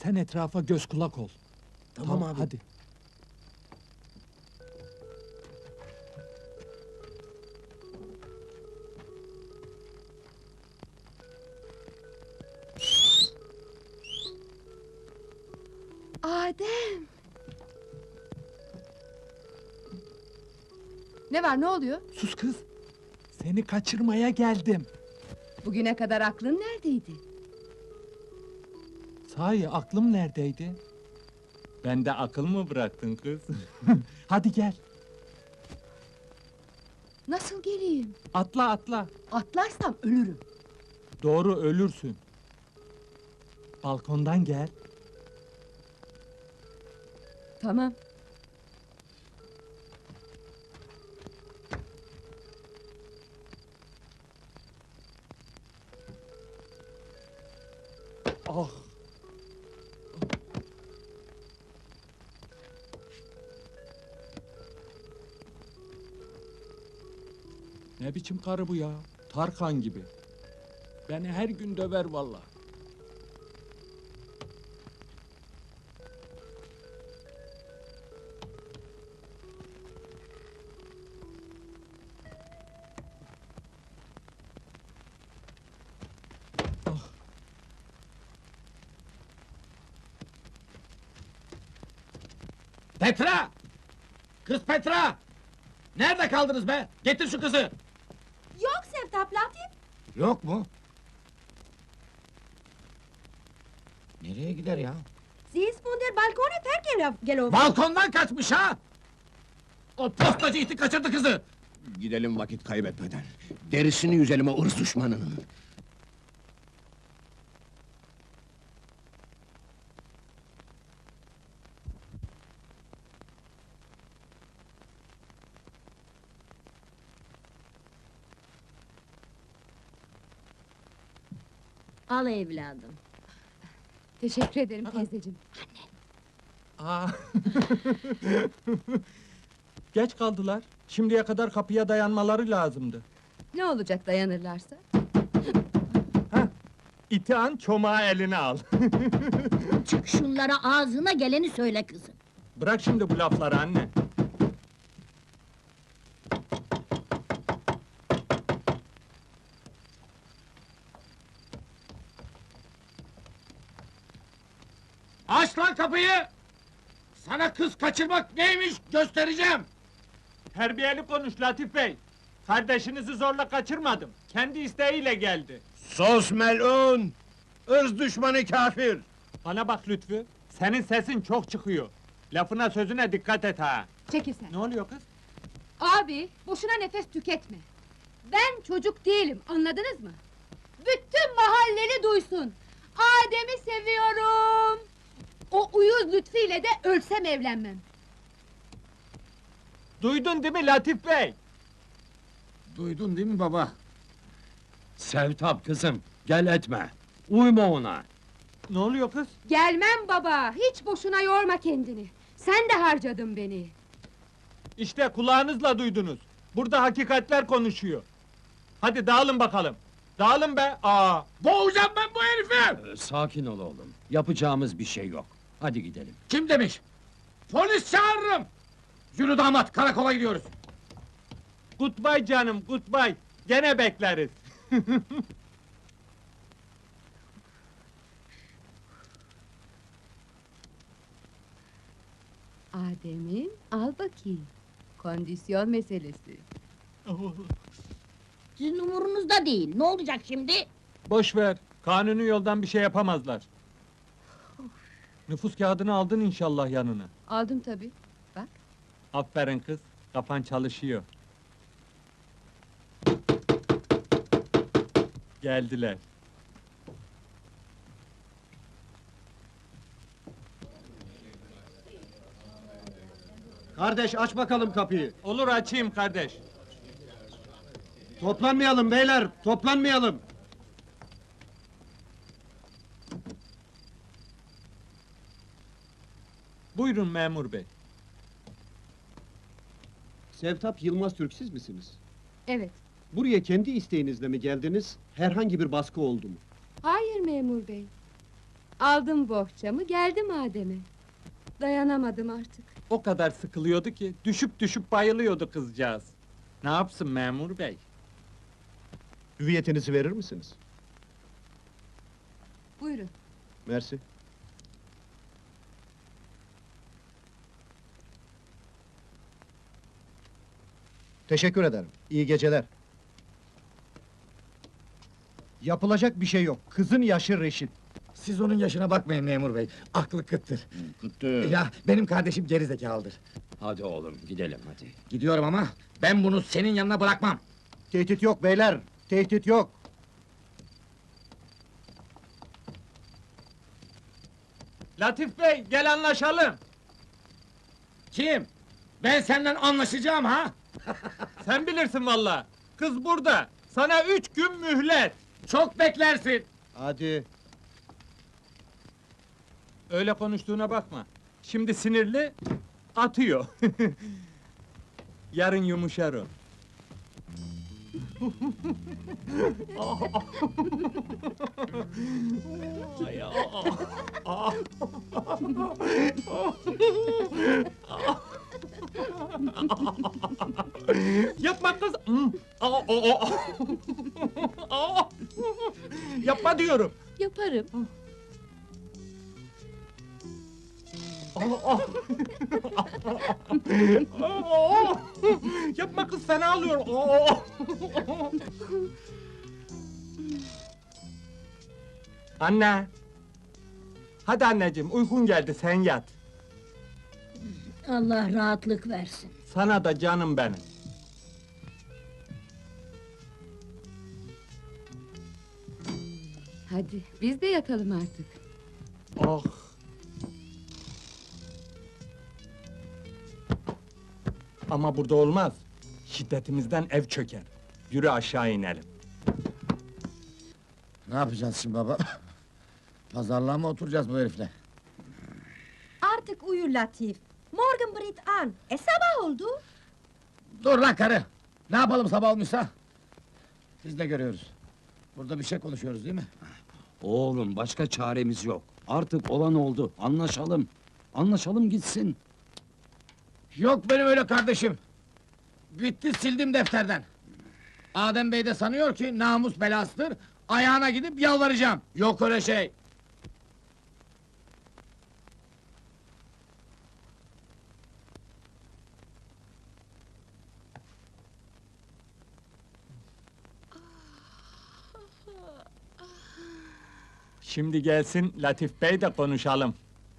Sen etrafa göz kulak ol. Tamam abi. Hadi. Adem! Ne var, ne oluyor? Sus kız. Seni kaçırmaya geldim. Bugüne kadar aklın neredeydi? Sahi aklım neredeydi? Bende akıl mı bıraktın kız? Hadi gel. Nasıl geleyim? Atla atla. Atlarsam ölürüm. Doğru ölürsün. Balkondan gel. Tamam. Ah. Ne biçim karı bu ya? Tarkan gibi. Beni her gün döver vallahi. Petra! Kız Petra! Nerede kaldınız be? Getir şu kızı! Yok Sevtap Latif. Yok mu? Nereye gider ya? Sie ist von der Balkone vergelaufen. Balkondan kaçmış ha! O postacı iti kaçırdı kızı! Gidelim vakit kaybetmeden. Derisini yüzelim o ırz düşmanının. Al evladım. Teşekkür ederim teyzeciğim. Aa. Geç kaldılar. Şimdiye kadar kapıya dayanmaları lazımdı. Ne olacak dayanırlarsa? Hah. İti an çomağı eline al. Çık şunlara ağzına geleni söyle kızım. Bırak şimdi bu lafları anne. Aç lan kapıyı! Sana kız kaçırmak neymiş göstereceğim! Terbiyeli konuş Latif Bey. Kardeşinizi zorla kaçırmadım. Kendi isteğiyle geldi. Sos melun! Irz düşmanı kafir! Bana bak Lütfü. Senin sesin çok çıkıyor. Lafına sözüne dikkat et ha. Çekil sen. Ne oluyor kız? Abi, boşuna nefes tüketme. Ben çocuk değilim, anladınız mı? Bütün mahalleli duysun. Adem'i seviyorum. O uyuz Lütfü ile de ölsem evlenmem. Duydun değil mi Latif Bey? Duydun değil mi baba? Sevtap kızım, gel etme. Uyma ona. Ne oluyor kız? Gelmem baba, hiç boşuna yorma kendini. Sen de harcadın beni. İşte kulağınızla duydunuz. Burada hakikatler konuşuyor. Hadi dağılın bakalım. Dağılın be! Aa! Boğacağım ben bu herifi! Sakin ol oğlum. Yapacağımız bir şey yok. Hadi gidelim. Kim demiş? Polis çağırırım! Yürü damat, karakola gidiyoruz! Goodbye canım, goodbye. Gene bekleriz. Adem'im, al bakayım. Kondisyon meselesi. Sizin umurunuzda değil. Ne olacak şimdi? Boş ver. Kanuni yoldan bir şey yapamazlar. Nüfus kağıdını aldın inşallah yanına. Aldım tabii. Bak. Aferin kız. Kafan çalışıyor. Geldiler. Kardeş aç bakalım kapıyı. Olur açayım kardeş. Toplanmayalım beyler, toplanmayalım. Buyurun memur bey. Sevtap Yılmaz Türk siz misiniz? Evet. Buraya kendi isteğinizle mi geldiniz? Herhangi bir baskı oldu mu? Hayır memur bey. Aldım bohçamı, geldim Adem'e. Dayanamadım artık. O kadar sıkılıyordu ki, düşüp düşüp bayılıyordu kızcağız. Ne yapsın memur bey? Hüviyetinizi verir misiniz? Buyurun. Mersi. Teşekkür ederim. İyi geceler. Yapılacak bir şey yok. Kızın yaşı reşit. Siz onun yaşına bakmayın memur bey. Aklı kıttır. Kıttı. Ya benim kardeşim gerizekalıdır. Hadi oğlum gidelim hadi. Gidiyorum ama ben bunu senin yanına bırakmam. Tehdit yok beyler. Tehdit yok. Latif bey, gel anlaşalım. Kim? Ben senden anlaşacağım ha? Sen bilirsin valla. Kız burada. Sana 3 gün mühlet. Çok beklersin. Hadi. Öyle konuştuğuna bakma. Şimdi sinirli, atıyor. Yarın yumuşar o. Yapma kız. Yapma diyorum. Yaparım. Yapma kız, fena alıyor. Anne. Hadi anneciğim, uykun geldi, sen yat. Allah rahatlık versin. Sana da canım benim. Hadi, biz de yatalım artık. Oh. Ama burada olmaz. Şiddetimizden ev çöker. Yürü aşağı inelim. Ne yapacağız şimdi baba? Pazarlığa mı oturacağız bu herifle? Artık uyu Latif. Morgen brit an. Sabah oldu. Dur lan karı! Ne yapalım sabah olmuşsa? Biz de görüyoruz. Burada bir şey konuşuyoruz değil mi? Oğlum başka çaremiz yok. Artık olan oldu. Anlaşalım. Anlaşalım gitsin. Yok benim öyle kardeşim. Bitti sildim defterden. Adem Bey de sanıyor ki namus belasıdır. Ayağına gidip yalvaracağım. Yok öyle şey. Şimdi gelsin Latif Bey de konuşalım.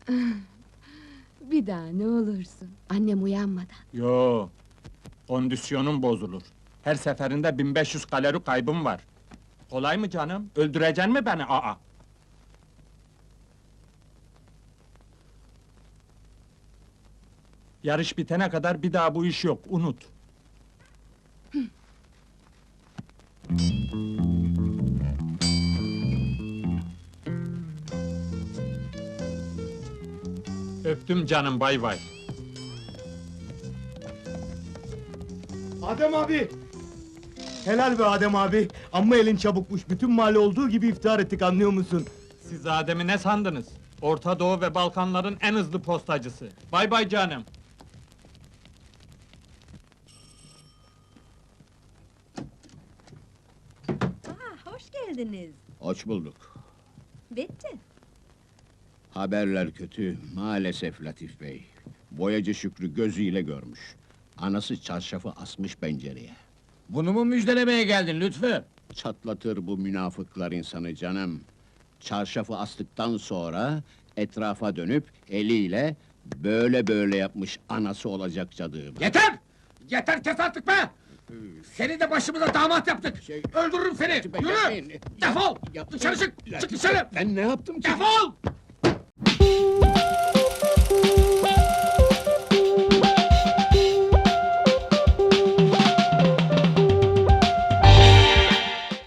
Bir daha ne olursun. Annem uyanmadan. Yo, kondisyonum bozulur. Her seferinde 1500 kalori kaybım var. Kolay mı canım? Öldüreceksin mi beni? Aa! Yarış bitene kadar bir daha bu iş yok, unut. Öptüm canım, bay bay. Adem abi! Helal be Adem abi! Amma elin çabukmuş, bütün mahalle olduğu gibi iftihar ettik, anlıyor musun? Siz Adem'i ne sandınız? Orta Doğu ve Balkanların en hızlı postacısı. Bay bay canım. Hoş geldiniz. Hoş bulduk. Bitti. Haberler kötü, maalesef Latif Bey. Boyacı Şükrü gözüyle görmüş. Anası çarşafı asmış pencereye. Bunu mu müjdelemeye geldin Lütfü? Çatlatır bu münafıklar insanı canım. Çarşafı astıktan sonra etrafa dönüp eliyle böyle böyle yapmış anası olacak cadığım. Yeter! Yeter kes artık be! Seni de başımıza damat yaptık! Öldürürüm seni! Yürü! Defol! Dışarı çık! Çık dışarı! Ben ne yaptım ki? Defol!